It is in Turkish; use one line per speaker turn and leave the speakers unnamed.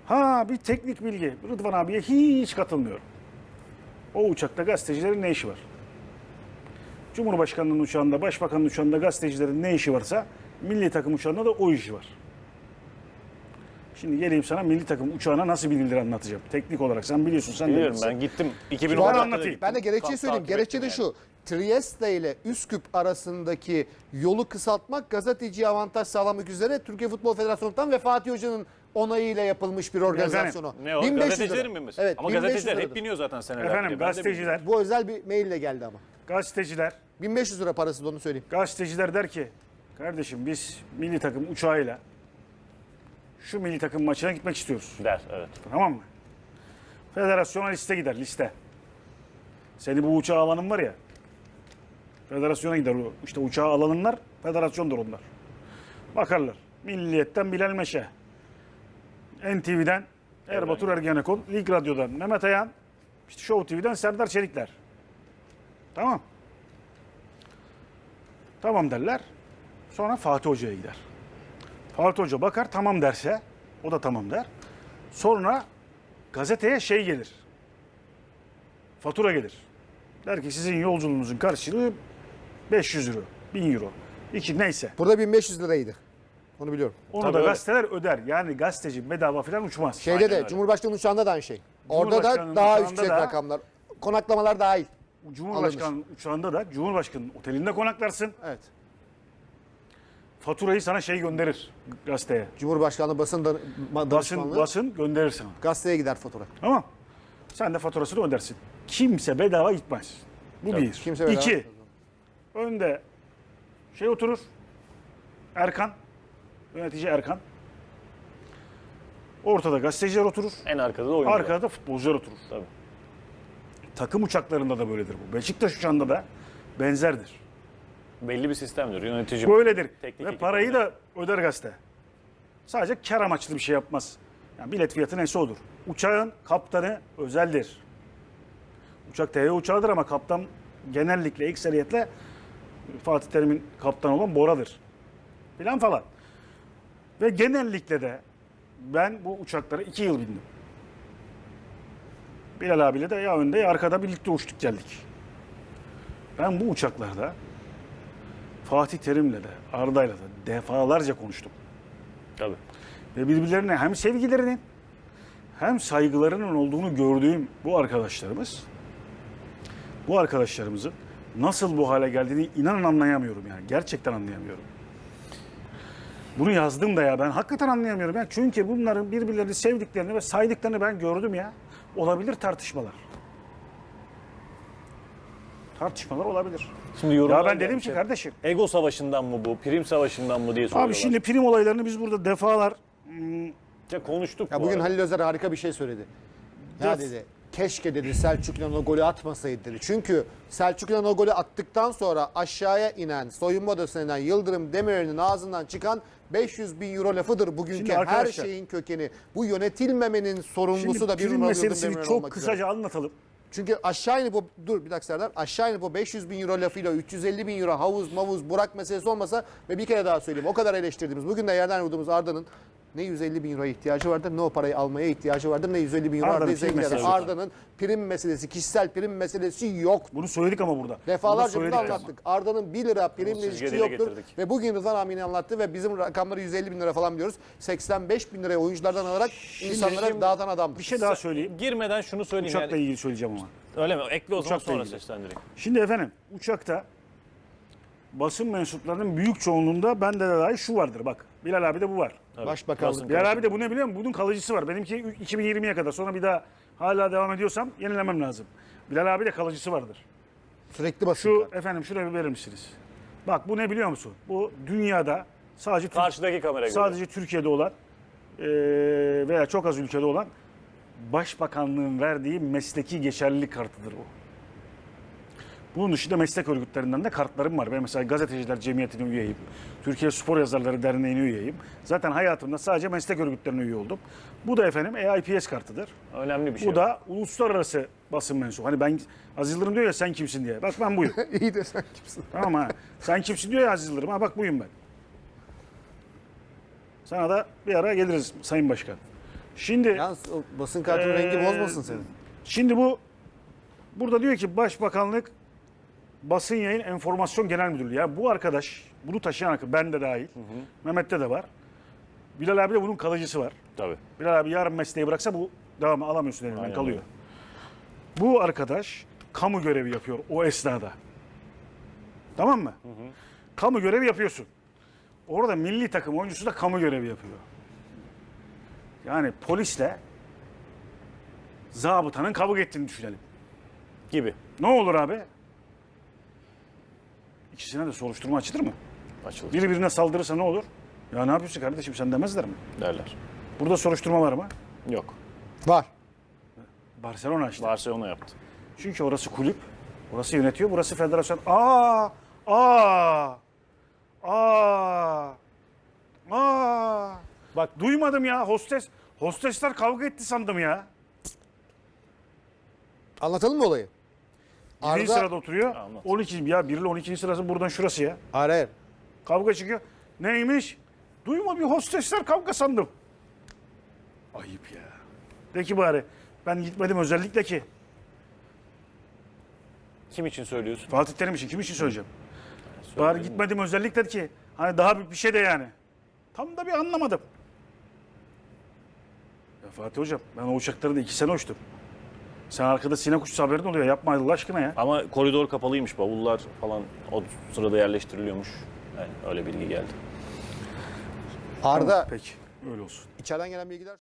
Ha bir teknik bilgi. Rıdvan abiye hiç katılmıyorum. O uçakta gazetecilerin ne işi var? Cumhurbaşkanının uçağında, başbakanın uçağında gazetecilerin ne işi varsa milli takım uçağında da o işi var. Şimdi geleyim sana milli takım uçağına nasıl binilir anlatacağım. Teknik olarak sen biliyorsun, sen de
Biliyorum,
bilirsin.
ben gittim.
Bana
2016'da
anlatayım.
gittim.
Ben de gerekçeyi
Kamp
söyleyeyim.
takip
Gerekçe de
ettim
şu. Trieste ile Üsküp arasındaki yolu kısaltmak gazeteciye avantaj sağlamak üzere Türkiye Futbol Federasyonu'ndan ve Fatih Hoca'nın onayıyla yapılmış bir organizasyon o.
Ne o?
1500 lira.
Gazetecilerin mi mesela?
Evet,
Ama
1500
gazeteciler hep
liradır.
biniyor zaten senelerdir.
Efendim
Ben de biliyorum.
gazeteciler,
Bu özel bir maille geldi ama.
gazeteciler
1500 lira parası da onu söyleyeyim.
Gazeteciler der ki, kardeşim biz milli takım uçağıyla şu milli takım maçına gitmek istiyoruz.
Der, evet.
Tamam mı? Federasyona liste gider, liste. Seni bu uçağa alanın var ya, federasyona gider o. İşte uçağa alanınlar, federasyondur onlar. Bakarlar. Milliyetten Bilal Meşe, NTV'den Erbatur Ergenekon, Lig Radyo'dan Mehmet Ayan, işte Show TV'den Serdar Çelikler. Tamam. Tamam derler. Sonra Fatih Hoca'ya gider. Fatih Hoca bakar tamam derse, o da tamam der. Sonra gazeteye şey gelir. Fatura gelir. Der ki sizin yolculuğunuzun karşılığı 500 euro, 1000 euro. Neyse.
Burada 1500 liraydı. Onu biliyorum.
Onu
Tabii
da
öyle.
gazeteler öder. Yani gazeteci bedava falan uçmaz.
Şeyde
Aynen
de
öyle.
Cumhurbaşkanı uçağında da aynı şey. Orada da
Cumhurbaşkanının
daha
uçağında
yüksek
da-
rakamlar. Konaklamalar dahil.
Cumhurbaşkanı uçağında da Cumhurbaşkanı'nın otelinde konaklarsın.
Evet.
Faturayı sana şey gönderir gazeteye.
Cumhurbaşkanlığı basın danışmanlığı
Basın gönderir sana.
gazeteye gider fotoğraf.
Tamam. Sen de faturasını ödersin. Kimse bedava gitmez. Bu
Tabii,
bir.
kimse bedava
İki.
gitmez.
Önde şey oturur. Erkan. Yönetici Erkan. Ortada gazeteciler oturur.
En arkada da oyuncular.
Arkada da futbolcular oturur.
Tabii.
Takım uçaklarında da böyledir bu. Beşiktaş uçağında da benzerdir.
Belli bir sistemdir. Yönetici.
Böyledir.
Teknik
Ve
ekip
parayı
oynar.
da öder gazete. Sadece kar amaçlı bir şey yapmaz. Yani bilet fiyatı neyse odur. Uçağın kaptanı özeldir. Uçak TR uçağıdır ama kaptan genellikle ekseriyetle Fatih Terim'in kaptanı olan Bora'dır. Filan falan. Ve genellikle de ben bu uçaklara 2 yıl bindim. Bilal abiyle de ya önde ya arkada birlikte uçtuk geldik. Ben bu uçaklarda Fatih Terim'le de Arda'yla da defalarca konuştum.
Tabii.
Ve birbirlerine hem sevgilerinin hem saygılarının olduğunu gördüğüm bu arkadaşlarımızın nasıl bu hale geldiğini inanın anlayamıyorum yani. Gerçekten anlayamıyorum. Bunu yazdım da ya ben hakikaten anlayamıyorum ya. Çünkü bunların birbirlerini sevdiklerini ve saydıklarını ben gördüm ya. Olabilir tartışmalar. Tartışmalar olabilir.
Şimdi yorumlar
Ya ben dedim
gelmiş
ki
hep.
kardeşim.
Ego savaşından mı bu? Prim savaşından mı diye soruyorlar.
Abi şimdi prim olaylarını biz burada defalar
Ya konuştuk
Ya
bu
bugün
arada.
Halil Özer harika bir şey söyledi. Ya dedi keşke dedi Selçuk İnan o golü atmasaydı dedi. Çünkü Selçuk İnan o golü attıktan sonra aşağıya inen, soyunma odasına inen Yıldırım Demirel'in ağzından çıkan 500 bin euro lafıdır bugünkü
Şimdi
her
arkadaşlar-
şeyin kökeni. Bu yönetilmemenin sorumlusu
Şimdi
da bir
prim
numaralı Yıldırım
meselesini
Demirel
çok
olmak üzere.
kısaca anlatalım.
Çünkü aşağı inip o, dur bir dakika Serdar, aşağı inip o 500 bin euro lafıyla 350 bin euro havuz mavuz Burak meselesi olmasa ve bir kere daha söyleyeyim o kadar eleştirdiğimiz bugün de yerden vurduğumuz Arda'nın ne 150 bin euroya ihtiyacı vardır ne o parayı almaya ihtiyacı vardır ne 150 bin euro
Arda'nın
Arda'yı
prim
zengin eder.
meselesi yok.
Arda'nın prim meselesi, kişisel prim meselesi yok.
Bunu söyledik ama burada.
Defalarca
Burada
bunu
söyledik ama.
anlattık. Arda'nın 1 lira primle
Bunu
ilişkisi
dile
yoktur.
getirdik.
Ve bugün Rıdvan Amin anlattı ve bizim rakamları 150 bin lira falan diyoruz. 85 bin liraya oyunculardan alarak insanlara dağıtan adamdır.
Bir şey daha söyleyeyim.
Girmeden şunu söyleyeyim.
Uçakla
yani,
ilgili söyleyeceğim ama.
öyle mi? Ekle o zaman
Uçakla
sonra
ilgili.
seslendireyim.
Şimdi efendim uçakta basın mensuplarının büyük çoğunluğunda bende de dahi şu vardır bak. Bilal abi de bu var.
Tabii.
Başbakanlık.
Basın
Bilal abi de bu ne biliyor musun? Bunun kalıcısı var. Benimki 2020'ye kadar. Sonra bir daha hala devam ediyorsam yenilemem lazım. Bilal abi de kalıcısı vardır.
Sürekli basın.
Şu efendim şuraya bir verir misiniz? Bak bu ne biliyor musun? Bu dünyada sadece
Karşıdaki kameraya göre.
sadece Türkiye'de olan veya çok az ülkede olan başbakanlığın verdiği mesleki geçerlilik kartıdır bu. Bunun dışında meslek örgütlerinden de kartlarım var. Ben mesela Gazeteciler Cemiyeti'ne üyeyim. Türkiye Spor Yazarları Derneği'ne üyeyim. Zaten hayatımda sadece meslek örgütlerine üye oldum. Bu da efendim EIPS kartıdır.
Önemli bir şey.
Bu da uluslararası basın mensubu. Hani ben Aziz Yıldırım diyor ya sen kimsin diye. Bak ben buyum.
İyi de sen kimsin?
Tamam ha. Sen kimsin diyor ya Aziz Yıldırım. Ha bak buyum ben. Sana da bir ara geliriz Sayın Başkan. Şimdi
Yalnız o basın kartının rengi bozmasın seni.
Şimdi burada diyor ki Başbakanlık Basın Yayın Enformasyon Genel Müdürlüğü. Ya bu arkadaş, bunu taşıyan arkadaş, ben de dahil, Mehmet'te de var. Bilal abi de bunun kalıcısı var.
Tabii.
Bilal abi yarın mesleği bıraksa bu devamı alamıyorsun elinden,
Aynen
kalıyor.
öyle.
Bu arkadaş kamu görevi yapıyor o esnada. Tamam mı? Kamu görevi yapıyorsun. Orada milli takım oyuncusu da kamu görevi yapıyor. Yani polisle zabıtanın kavga ettiğini düşünelim.
Gibi.
Ne olur abi? İkisine de soruşturma açılır mı?
Açılır.
Biri birine saldırırsa ne olur? Ya ne yapıyorsun kardeşim, sen demezler mi?
Derler.
Burada soruşturma var mı?
Yok.
Var.
Barcelona işte.
Barcelona yaptı.
Çünkü orası kulüp, orası yönetiyor, burası federasyon. Aa! Bak duymadım ya, hostesler kavga etti sandım ya.
Anlatalım mı olayı?
1. sırada oturuyor.
Anlat.
12. Ya 1 ile 12. sırası buradan şurası ya.
Hayır, hayır.
Kavga çıkıyor. Neymiş? Duyma, bir hostesler kavga sandım. Ayıp ya. De ki bari ben gitmedim özellikle ki.
Kim için söylüyorsun?
Fatih Terim için, kim için söyleyeceğim? Bari gitmedim özellikle ki. Hani daha bir şey de yani. Tam da bir anlamadım. Ya Fatih Hocam, ben o uçakları da 2 sene uçtum. Sen arkada sinek uçsa haberin oluyor. Yapma Allah aşkına ya.
Ama koridor kapalıymış. Bavullar falan o sırada yerleştiriliyormuş. Yani öyle bilgi geldi.
Arda
Peki, öyle olsun.
içeriden gelen bilgiler